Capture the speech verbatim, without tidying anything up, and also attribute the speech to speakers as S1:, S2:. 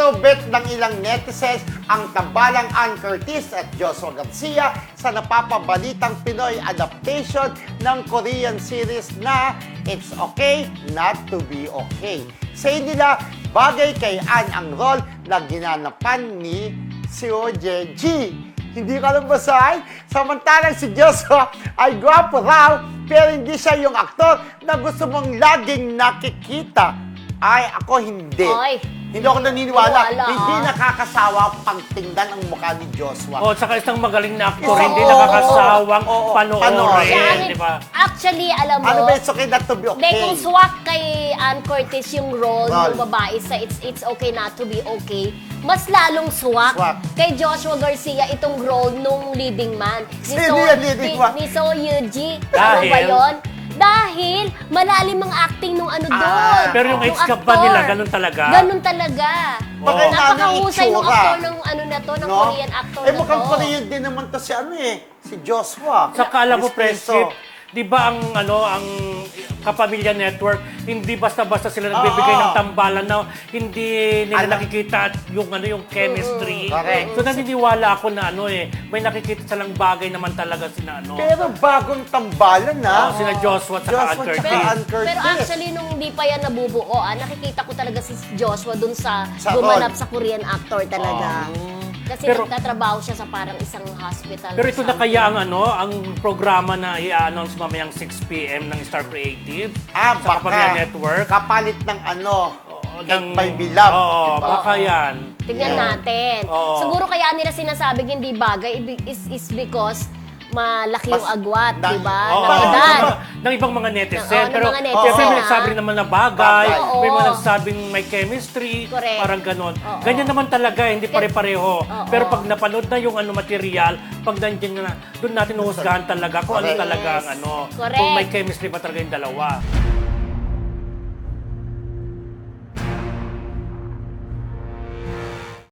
S1: Kinobet ng ilang netizens ang tambalang Ann Curtis at Joshua Garcia sa napapabalitang Pinoy adaptation ng Korean series na It's Okay Not to Be Okay. Sa nila, bagay kay Ann ang role na ginanapan ni Seo Jae-ji. Hindi ka lang basahin? Samantalang si Joshua ay gwapo raw, pero hindi siya yung aktor na gusto mong laging nakikita. Ay, ako hindi.
S2: Ay,
S1: hindi ako naniniwala.
S2: wala,
S1: Hindi
S2: ah.
S1: nakakasawa pang tingnan ang mukha ni Joshua.
S3: Oh, saka isang magaling na aktor,
S1: Oo,
S3: hindi
S1: oo,
S3: nakakasawang
S1: oo, oo.
S3: panoorin,
S2: Siya,
S3: di ba?
S2: Actually, alam mo,
S1: Ano ba, it's okay not to be okay?
S2: Hindi, kung swak kay Ann Curtis yung role
S1: Role.
S2: ng babae sa It's It's Okay Not to Be Okay, mas lalong swak,
S1: Swak.
S2: kay Joshua Garcia itong role nung leading man. Ni
S1: Sino
S2: So-
S1: yan, leading
S2: ni-
S1: man?
S2: Ni So Yuji. Ano
S3: Dahil?
S2: ba yun? Dahil malalim ang acting nung ano
S1: Ah.
S2: doon.
S3: Pero yung
S2: nung
S3: age gap ba
S2: actor.
S3: nila, ganun talaga?
S2: Ganun talaga.
S1: Baka yung
S2: Napakahusay
S1: nanay
S2: ng
S1: itsura.
S2: actor ng ano na to, ng
S1: No?
S2: Korean actor
S1: Eh,
S2: na
S1: mukhang
S2: to.
S1: Korean din naman to si ano eh, si Joshua.
S3: Saka alam mo,
S1: Miss
S3: Friendship,
S1: Pinto.
S3: di ba ang ano ang Kapamilya Network, hindi basta-basta sila nagbibigay
S1: Oo.
S3: ng tambalan na hindi nila
S1: Alam.
S3: nakikita at yung ano yung chemistry.
S1: Correct.
S3: So naniniwala ako na ano eh, may nakikita silang bagay naman talaga sina ano.
S1: Pero bagong tambalan na.
S3: Oh, sina Joshua at saka Ann
S1: Joshua
S3: Curtis.
S1: tsaka Ann
S2: Pero,
S1: Curtis.
S2: pero actually, nung hindi pa yan nabubuo, ah, nakikita ko talaga si Joshua dun sa,
S1: Sa
S2: gumanap
S1: role.
S2: sa Korean actor talaga. Kasi
S3: Pero-
S2: nagtatrabaho siya sa parang isang hospital.
S3: Pero
S2: or
S3: ito na
S2: something.
S3: kaya ang ano, ang programa na i-announce mamayang six p m ng Star Creative
S1: Ah,
S3: sa
S1: baka.
S3: Kapamilya Network.
S1: Kapalit ng ano,
S3: Oo,
S1: Cake by Bilab.
S3: Oo,
S1: diba?
S3: baka yan.
S2: Tignan
S1: Yeah.
S2: natin.
S3: Oo.
S2: Siguro kaya nila sinasabing hindi bagay ibi- is, is because malaki yung
S1: Mas-
S2: agwat,
S1: dahil-
S2: di ba?
S3: Oo,
S2: Ng
S1: Bakit?
S2: edad.
S3: ng, ng ibang mga netizen.
S2: Ng- oo, ng
S3: Pero
S2: mga netizen,
S3: siyempre may
S2: ah.
S3: nagsabi rin naman na bagay,
S1: Bagay.
S3: may mga
S2: Oo.
S3: nagsabing may chemistry,
S2: Correct.
S3: parang ganon.
S2: Oo.
S3: Ganyan naman talaga, hindi pare-pareho.
S2: Oo.
S3: Pero pag napanood na yung ano material, pag nandiyan na, doon natin uhusgahan talaga kung ano
S1: Correct.
S3: talaga ang ano,
S2: Correct.
S3: kung may chemistry ba talaga yung dalawa.